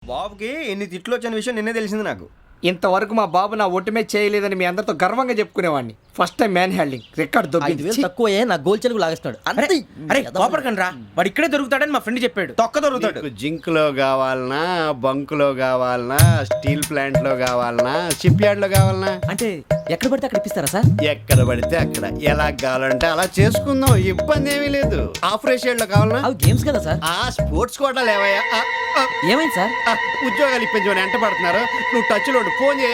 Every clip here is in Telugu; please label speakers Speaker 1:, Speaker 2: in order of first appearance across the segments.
Speaker 1: బాబుకి ఎన్ని తిట్లు వచ్చిన విషయం నిన్నే తెలిసింది నాకు.
Speaker 2: ఇంతవరకు మా బాబు నా ఒట్టుమే చేయలేదని మీ అందరితో గర్వంగా చెప్పుకునేవాడిని. First time man handing record దొబ్బింది.
Speaker 3: తక్కువే నా గోల్ చెలుగు లాగేస్తున్నాడు.
Speaker 4: అరే కోపడకండి రా, వాడు ఇక్కడే దొరుకుతాడని మా ఫ్రెండ్ చెప్పాడు.
Speaker 1: తొక్క దొరుకుతాడు.
Speaker 5: జింక్ లో కావాలనా, బంక్ లో కావాలనా, స్టీల్ ప్లాంట్ లో కావాలనా, షిప్ యార్డ్ లో కావాలనా?
Speaker 3: అంటే ఎక్కడ పడితే అక్కడ ఇప్పిస్తారా సార్?
Speaker 5: ఎక్కడ పడితే అక్కడ, ఎలా కావాలంటే అలా చేసుకుందాం, ఇబ్బంది ఏమీ లేదు. ఆపరేషన్ లో కావాలనా?
Speaker 3: అవి గేమ్స్ కదా సార్.
Speaker 5: ఆ స్పోర్ట్స్ కోటాలు ఏవయ్యా?
Speaker 3: ఏమైంది సార్?
Speaker 5: ఉద్యోగాలు ఇప్పించమని ఎంట పడుతున్నారు. నువ్వు టచ్ లో ఫోన్ చేయ.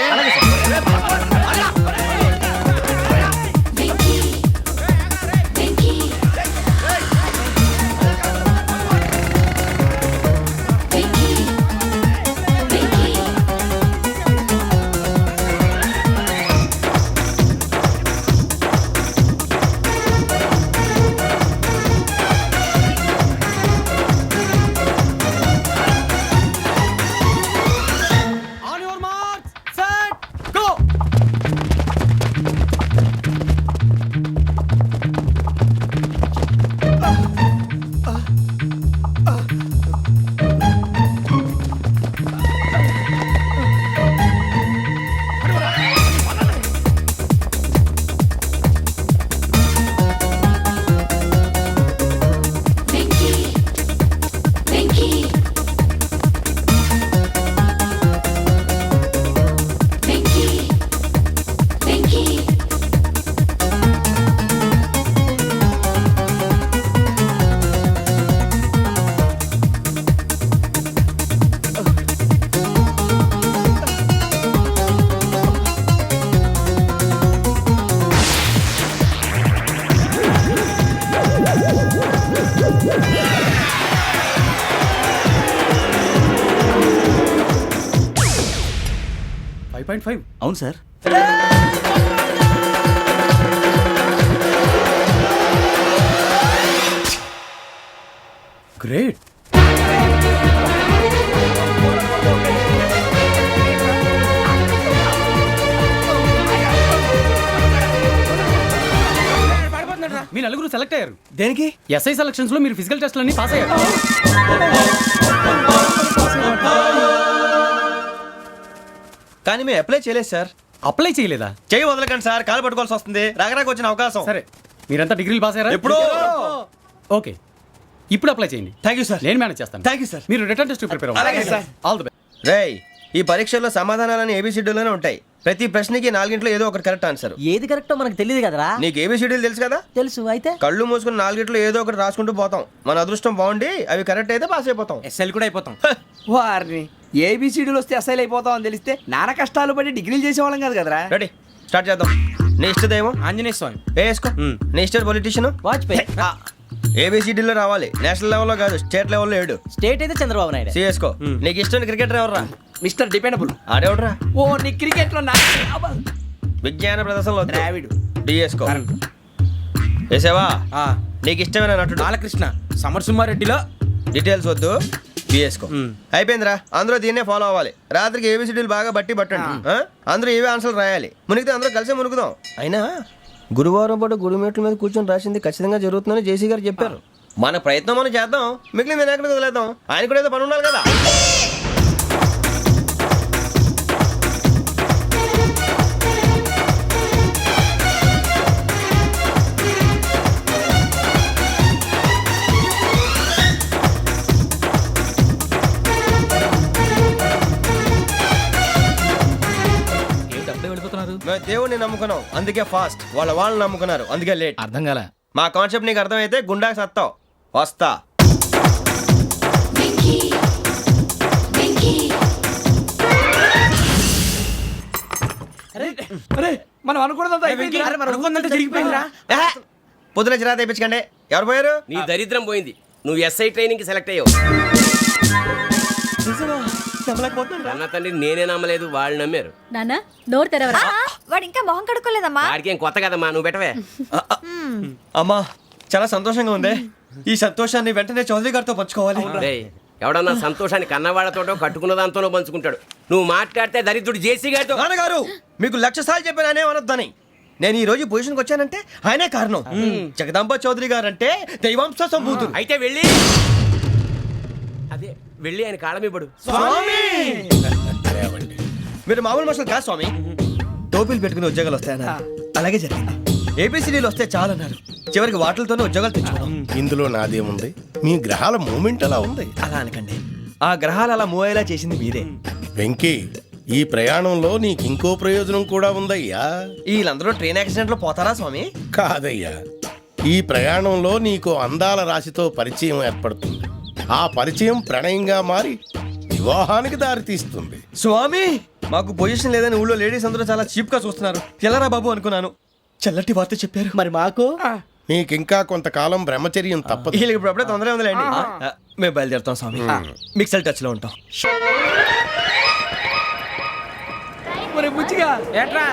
Speaker 3: అవును సార్.
Speaker 4: గ్రేట్. మీ నలుగురు సెలెక్ట్ అయ్యారు.
Speaker 1: దేనికి?
Speaker 4: ఎస్ఐ సెలక్షన్స్ లో మీరు ఫిజికల్ టెస్ట్ అన్ని పాస్ అయ్యారు.
Speaker 1: కానీ మేము అప్లై చేయలేదు సార్.
Speaker 4: అప్లై చేయలేదా?
Speaker 1: చేయి వదలకండి సార్, కాలు పట్టుకోవాల్సి వస్తుంది. రాగరాకు వచ్చిన అవకాశం.
Speaker 4: సరే, మీరంతా డిగ్రీలు పాస్ అయ్యారా?
Speaker 1: ఎప్పుడో.
Speaker 4: ఓకే, ఇప్పుడు అప్లై చేయండి.
Speaker 1: Thank you sir.
Speaker 4: నేను మేనేజ్ చేస్తాను.
Speaker 1: Thank you sir.
Speaker 4: మీరు రిటర్న్ టెస్ట్ ప్రిపేర్
Speaker 1: అలాగే
Speaker 4: అవ్వండి.
Speaker 1: సార్.
Speaker 4: All the best.
Speaker 1: రేయ్, ఈ పరీక్షల్లో సమాధానాలని ఏబిసిడ్యూల్లోనే ఉంటాయి. ప్రతి ప్రశ్నకి 4 ఏదో ఒకటి కరెక్ట్ ఆన్సర్.
Speaker 3: ఏది కరెక్టో మనకు తెలియదు కదరా.
Speaker 1: నీకు ఏబిసిడ్యూల్ తెలుసు కదా?
Speaker 3: తెలుసు. అయితే
Speaker 1: కళ్ళు మూసుకుని 4 ఏదో ఒకటి రాసుకుంటూ పోతాం. మన అదృష్టం బాగుండి అవి కరెక్ట్ అయితే పాస్ అయిపోతాం.
Speaker 4: ఎస్ఎల్ కూడా అయిపోతాం.
Speaker 2: వారిని ఏబిసిడీలు వస్తే అసైల్ అయిపోతాం అని తెలిస్తే నాన్న కష్టాలు పడి డిగ్రీలు చేసేవాళ్ళం కాదు కదరా.
Speaker 1: రెడీ, స్టార్ట్ చేద్దాం. నీ ఇష్టదేమో
Speaker 4: ఆంజనేయ స్వామి.
Speaker 1: వేసుకో. నీ ఇష్ట పొలిటీషియన్
Speaker 3: వాజ్పేయి.
Speaker 1: ఏబిసిడీలో రావాలి. నేషనల్ లెవెల్లో కాదు, స్టేట్ లెవెల్లో 7.
Speaker 3: స్టేట్ అయితే చంద్రబాబు నాయుడు.
Speaker 1: సిఎస్కో. నీకు ఇష్టం క్రికెటర్ ఎవర్రా?
Speaker 2: Mister dependable.
Speaker 1: ఆడేవడరా?
Speaker 2: ఓ నీ క్రికెట్ లో
Speaker 1: విజ్ఞాన ప్రదర్శనలో
Speaker 2: ద్రావిడు.
Speaker 1: డిఎస్కో. వేసావా? నీకు ఇష్టమైన నటుడు?
Speaker 4: బాలకృష్ణ. సమర్సుమారెడ్డిలో
Speaker 1: డీటెయిల్స్ వద్దు, బిఎస్కో. అయిపోయిందిరా. అందరూ దీన్నే ఫాలో అవ్వాలి. రాత్రికి ఏబిసిడీలు బాగా బట్టి పట్టండి. అందరూ ఏవే ఆన్సర్లు రాయాలి. మునిగితే అందరూ కలిసే మునుగుదాం. అయినా గురువారం పాటు గురుమేట్ల మీద కూర్చొని రాసింది ఖచ్చితంగా జరుగుతుందని జేసీ గారు చెప్పారు. మన ప్రయత్నం మనం చేద్దాం, మిగిలింది నేను ఎక్కడికి వదిలేద్దాం. ఆయన కూడా ఏదో పని ఉండాలి కదా. మేము దేవుడిని నమ్ముకున్నాం, అందుకే ఫాస్ట్. వాళ్ళని నమ్ముకున్నారు, అందుకే లేట్.
Speaker 4: అర్థం కాలే.
Speaker 1: మా కాన్సెప్ట్ నీకు అర్థమైతే గుండా సత్తావు. వస్తా.
Speaker 2: అరే మనం అనుకున్నదంతా
Speaker 4: జరిగిపోయిందిరా.
Speaker 1: పొద్దున చిరా తెప్పించకండి. ఎవరు పోయారు?
Speaker 6: నీ దరిద్రం పోయింది. నువ్వు ఎస్ఐ ట్రైనింగ్ కి సెలెక్ట్ అయ్యావు. అన్న తండ్రి నేనే నమ్మలేదు, వాళ్ళు నమ్మారు.
Speaker 7: నాన్న నోరు తెరవరా.
Speaker 8: వాడు ఇంకా మొహం కడుక్కోలేదమ్మా.
Speaker 6: వాడికి ఏం కొత్త కదమ్మా, నువ్వు పెట్టవే.
Speaker 1: అమ్మా చాలా సంతోషంగా ఉంది. ఈ సంతోషాన్ని వెంటనే చౌదరి గారితో పంచుకోవాలి.
Speaker 6: డేయ్, ఎవడన్నా సంతోషాన్ని కన్నవాళ్లతోటో కట్టుకున్న దాంతోనో పంచుకుంటాడు. నువ్వు మాట్లాడితే దరిద్రుడు జేసీ గారితో.
Speaker 1: నాన్నగారు మీకు 1,00,000 సార్లు చెప్పాను అనే అనొద్దని. నేను ఈ రోజు పొజిషన్కి వచ్చానంటే ఆయనే కారణం. జగదాంబ చౌదరి గారు అంటే దైవాంశ సంభూతుడు.
Speaker 6: అయితే వెళ్ళి అదే వెళ్ళి ఆయన కాళ్ళ మీద పడు.
Speaker 1: మీరు మామూలు మనుషులు కాదు స్వామి. టోపీలు పెట్టుకుని ఉద్యోగాలు వస్తాయన్నారు, అలాగే జరిగింది. ఏపీసీడీలు వస్తే చాలన్నారు, చివరికి వాటిలతోనే ఉద్యోగాలు తెచ్చుకున్నాం.
Speaker 7: ఇందులో నాదేముంది, మీ గ్రహాల మూమెంట్ అలా ఉంది.
Speaker 1: అలా అనకండి, ఆ గ్రహాలు అలా మూవ్ అయ్యేలా చేసింది మీరే.
Speaker 7: వెంకీ, ఈ ప్రయాణంలో నీకు ఇంకో ప్రయోజనం కూడా ఉందయ్యా.
Speaker 1: వీళ్ళందరూ ట్రైన్ యాక్సిడెంట్ లో పోతారా స్వామి?
Speaker 7: కాదయ్యా, ఈ ప్రయాణంలో నీకు అందాల రాశితో పరిచయం ఏర్పడుతుంది. ఆ పరిచయం ప్రణయంగా మారి వివాహానికి దారితీస్తుంది.
Speaker 1: స్వామి, మాకు పొజిషన్ లేదని ఊళ్ళో లేడీస్ అందరూ చాలా చీప్ గా చూస్తున్నారు. ఎలారా బాబు అనుకున్నాను, చల్లటి వార్త చెప్పారు.
Speaker 3: మరి మాకు
Speaker 7: నీకింకా కొంతకాలం బ్రహ్మచర్యం తప్పదు.
Speaker 1: వీళ్ళకి ఇప్పుడు అప్పుడే తొందరగా ఉందిలేండి. మేము బయలుదేరుతాం స్వామి, మిక్సెల్ టచ్ లో ఉంటాం.
Speaker 2: మరి బుచ్చిగా
Speaker 4: ఏట్రా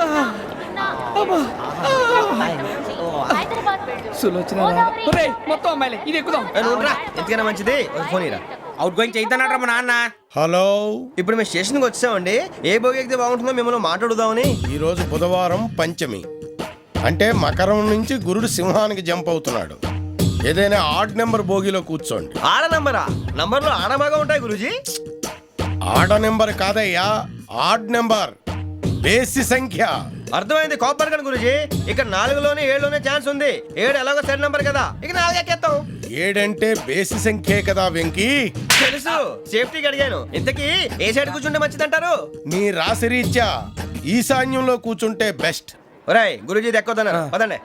Speaker 2: సులోచన ఒరేయ్, మొత్తం అమ్మాయిలే, ఇది ఎక్కుదాం.
Speaker 1: ఎందుకైనా మంచిది, ఒక ఫోన్ ఇరా.
Speaker 4: అవుట్ గోయింగ్ చేద్దానట్రా మా నాన్న.
Speaker 7: హలో,
Speaker 1: ఇప్పుడు మేము స్టేషన్కి వచ్చామండి. ఏ బోగి ఎక్కితే బాగుంటుందో మిమ్మల్ని మాట్లాడుదామని.
Speaker 7: ఈరోజు బుధవారం పంచమి, అంటే మకరం నుంచి గురుడు సింహానికి జంప్ అవుతున్నాడు. ఏదైనా ఆడ్ నెంబర్ బోగిలో కూర్చోండి.
Speaker 1: ఆడ నంబరా? నంబర్లో ఆడ బాగా ఉంటాయి గురూజీ.
Speaker 7: ఆడ నెంబర్ కాదయ్యా, ఆడ్ నెంబర్, బేసి సంఖ్య.
Speaker 1: అర్థమైంది, కాపర్ కానీ గురూజీ. ఇక్కడ 4లోనే 7లోనే ఛాన్స్ ఉంది. 7 ఎలాగో సెడ్ నంబర్ కదా, ఇక 4 ఎక్కేస్తాం.
Speaker 7: 7 అంటే బేసి సంఖ్యే కదా వెంకీ.
Speaker 1: తెలుసు, సేఫ్టీకి అడిగాను. ఇంతకీ ఏ సైడ్ కూర్చుంటే మంచిదంటారు?
Speaker 7: నీ రాశి రీత్యా ఈశాన్యంలో కూర్చుంటే బెస్ట్.
Speaker 1: ఒరాయ్, గురూజీ దెక్కొద్దన్నారు, పదండి.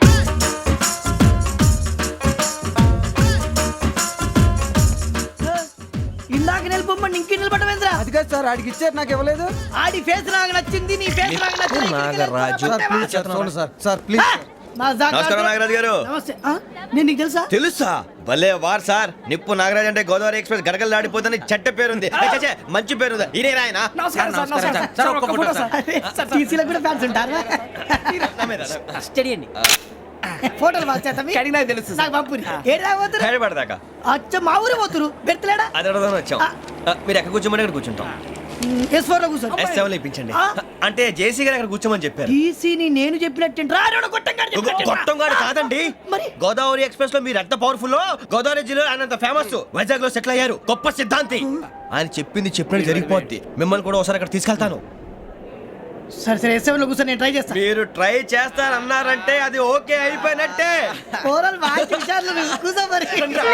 Speaker 3: ఇందాక నిలబొమ్మని ఇంకే నిలబడమేంద్రా?
Speaker 2: అది కాదు సార్, ఆడికి ఇచ్చారు, నాకు ఇవ్వలేదు.
Speaker 3: ఆడి ఫేస్ నాకు నచ్చింది, నీ ఫేస్ నాకు నచ్చింది.
Speaker 1: నాగరాజు.
Speaker 2: Sir please.
Speaker 1: నమస్కారం నాగరాజు గారు.
Speaker 3: నమస్తే. నేను నీకు తెలుసా?
Speaker 1: తెలుసా? భలే వార్ సార్. నిప్పు నాగరాజ్ అంటే గోదావరి ఎక్స్ప్రెస్ గడగలు దాడిపోతుంది చెట్ట పేరుంది. ఛే, మంచి పేరుంది. ఈయన ఆయన
Speaker 2: నమస్కారం సార్, నమస్కారం సార్.
Speaker 4: సార్, ఒక్క ఫోటో సార్.
Speaker 3: సార్, టీసీలో కూడా ఫ్యాన్స్ ఉంటారా? స్టడీ అండి. ఫోటోలు మార్చేస్తాం.
Speaker 2: కడిగినా తెలుసు సార్.
Speaker 3: నాకు పంపుని. ఏడు రాబోతురు?
Speaker 1: హైదరాబాద్దాకా
Speaker 3: అచ్చ మా ఊరు పోతురు. బెర్తలేడా?
Speaker 1: అది అడగదామని వచ్చాం. మీరు ఎక్కడ కూర్చోమని అక్కడ కూర్చుంటాం.
Speaker 3: S4 లో కూర్చో.
Speaker 1: S7 లో ఇప్పించండి. అంటే జేసీ గారు అక్కడ కూర్చోమని చెప్పారు.
Speaker 3: టీసీని నేను చెప్పినట్టు
Speaker 1: గొట్టంగాడు కాదండి.
Speaker 3: మరి?
Speaker 1: గోదావరి ఎక్స్ప్రెస్ లో మీరు ఎంత పవర్ఫుల్, గోదావరి జిల్లా ఆయన ఫేమస్. వైజాగ్ లో సెటిల్ అయ్యారు, గొప్ప సిద్ధాంతి. ఆయన చెప్పింది చెప్పినట్టు జరిగిపోద్ది. మిమ్మల్ని కూడా ఒకసారి అక్కడ తీసుకెళ్తాను.
Speaker 3: సరే సరే, S7 లో కూర్చో, నేను ట్రై చేస్తాను.
Speaker 1: మీరు ట్రై చేస్తారన్నారంటే అది ఓకే అయిపోయినట్టే.
Speaker 3: ఓవరాల్ మంచి విషయాలు కూర్చో మరి.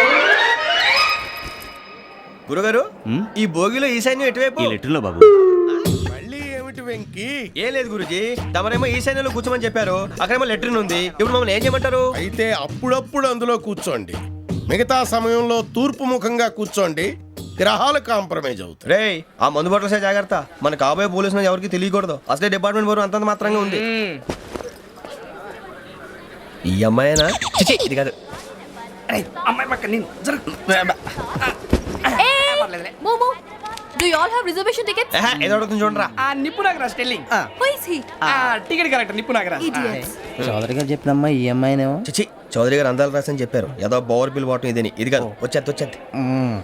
Speaker 1: గురుగారు, ఈ భోగిలో ఈశాన్యం ఎటువైపు?
Speaker 7: మళ్ళీ ఏమిటి వెంకీ?
Speaker 1: ఏం లేదు గురుజీ, తమరేమో ఈశాన్యంలో కూర్చోమని చెప్పారు. అక్కడేమో లెటర్ ఉంది. ఇప్పుడు మమ్మల్ని ఏం చేయమంటారు?
Speaker 7: అయితే అప్పుడప్పుడు అందులో కూర్చోండి, మిగతా సమయంలో తూర్పు ముఖంగా కూర్చోండి. గ్రహాలు కాంప్రమైజ్ అవుతాయి.
Speaker 1: రేయ్, ఆ మందు బాటలసే జాగ్రత్త. మన కాబోయే పోలీసులు ఎవరికి తెలియకూడదు. అసలే డిపార్ట్మెంట్ బోరు అంతంత మాత్రంగా ఉంది. ఈ అమ్మాయినా? చిచి, ఇది కాదు.
Speaker 2: అమ్మాయి పక్క నేను
Speaker 8: Momo, do you all have reservation tickets?
Speaker 1: ఏదో అడుగుతుంది చూడరా.
Speaker 2: ఆ నిప్పు Nagaraj telling.
Speaker 8: Who is he?
Speaker 2: Ticket correct, నిప్పు నాగరాజ్.
Speaker 8: Idiots.
Speaker 3: చౌదరి గారు చెప్పినమ్మా ఈ అమ్మాయినేమో.
Speaker 1: చిచి, చౌదరి గారు అందాలు రాసని చెప్పారు. ఏదో బోర్ బిల్ వాటం ఇదని. ఇది కాదు, వచ్చేది.